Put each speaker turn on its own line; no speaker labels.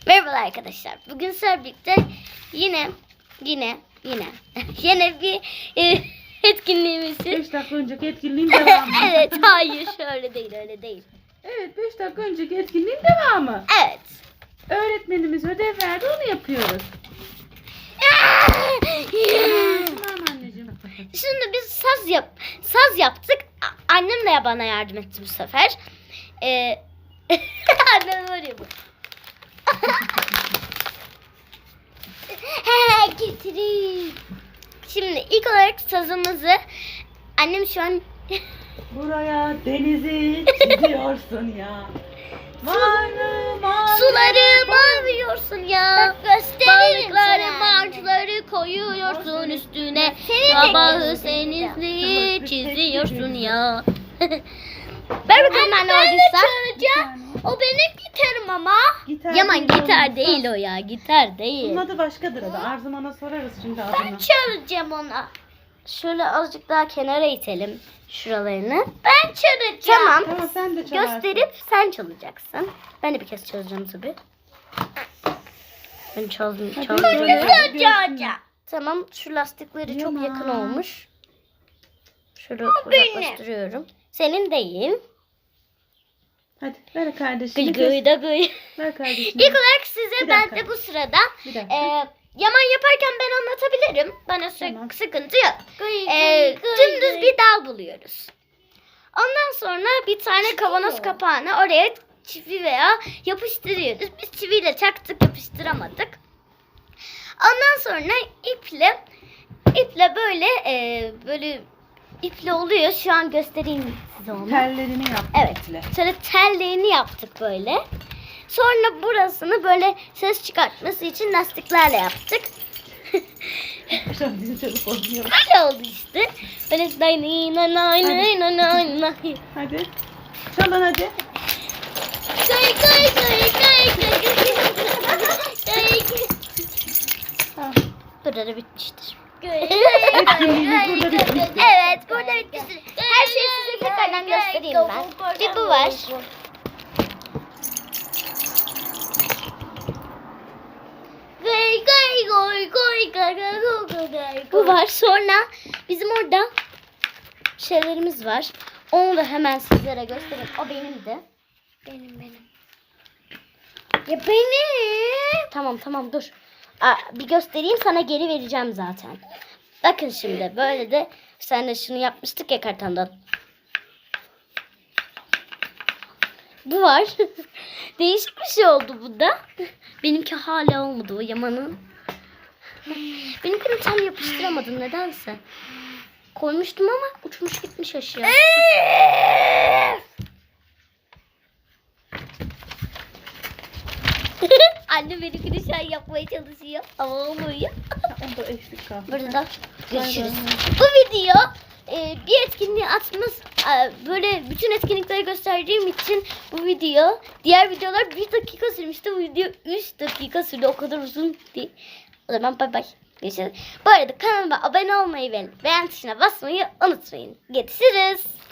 Merhaba arkadaşlar. Bugün sizlerle birlikte yine yine bir etkinliğimizin
5 dakika önceki etkinliğin devamı.
evet, hayır, öyle değil.
Evet, 5 dakika önceki etkinliğin devamı.
Evet.
Öğretmenimiz ödev verdi, onu yapıyoruz. Tamam anneciğim.
Şimdi biz saz yaptık. Annem de bana yardım etti bu sefer. Annem var ya bu. Getireyim. Şimdi ilk olarak sazımızı annem şu an
Buraya denizi çiziyorsun ya. Varlı mavi.
suları maviyorsun ya. Balıkları,
sana.
martıları koyuyorsun üstüne.
Seni de
Sabahı
göstereceğim.
senizliği çiziyorsun ya. Ver bakalım ben oradaysa. O benim gitarım ama.
Gitar
Yaman
değil,
gitar
oğlum,
değil
saz.
o ya. Gitar değil.
Bunun adı başkadır adı. Arzuman'a sorarız şimdi adını.
Çalacağım ona. Şöyle azıcık daha kenara itelim şuralarını. Ben çalacağım. Tamam.
Tamam, sen de çalarsın.
Gösterip sen çalacaksın. Ben de bir kez çalacağım tabii. Ben çaldım.
Hadi
çaldım.
söyle.
Tamam, şu lastikleri çok
Yaman.
yakın olmuş. Şöyle uzaklaştırıyorum. Senin değil.
Hadi ver kardeşim.
Gıy gıy da gıy.
Ver kardeşim.
İlk olarak size
Bir
ben
dakika.
de bu sırada
Bir dakika.
yaman yaparken ben anlatabilirim. Bana
Tamam.
sıkıntı yok. Dümdüz bir dal buluyoruz. Ondan sonra bir tane kavanoz kapağını oraya çivi veya yapıştırıyoruz. Biz çiviyle çaktık, yapıştıramadık. Ondan sonra iple böyle iple oluyor. Şu an göstereyim size onu.
Tellerini yap.
Evet. Şöyle tellerini yaptık böyle. Sonra burasını böyle ses çıkartması için lastiklerle yaptık.
Şu an bizim çocuk oynuyor.
Böyle oldu işte. Böyle nay.
Hadi. Çalın hadi. Tamam.
Burada bitmiştir.
Etkinliğimiz burada bitmiştir.
Evet, burada bitmiştir. Her şeyi size tekrardan göstereyim ben. Bir bu var. Bu var. Sonra bizim orada şeylerimiz var. Onu da hemen sizlere göstereyim. O benim de. Benim. Ya benim. Tamam dur. Bir göstereyim, sana geri vereceğim zaten. Bakın şimdi böyle de sen de şunu yapmıştık ya kartondan. Bu var. Değişik bir şey oldu bu da. Benimki hala olmadı, o Yaman'ın. Benimkini tam yapıştıramadım nedense. Koymuştum ama uçmuş gitmiş aşağı. Anne benimkini şu an yapmaya çalışıyor ama olmuyor.
Onda eksik kaldı.
Burada görüşürüz. Bu video bir etkinliği atmaz, böyle bütün etkinlikleri gösterdiğim için bu video, diğer videolar 1 dakika sürmüştü. Bu video 3 dakika sürdü. O kadar uzun değil. O zaman bay bay. Görüşürüz. Bu arada kanalıma abone olmayı ve beğen tuşuna basmayı unutmayın. Görüşürüz.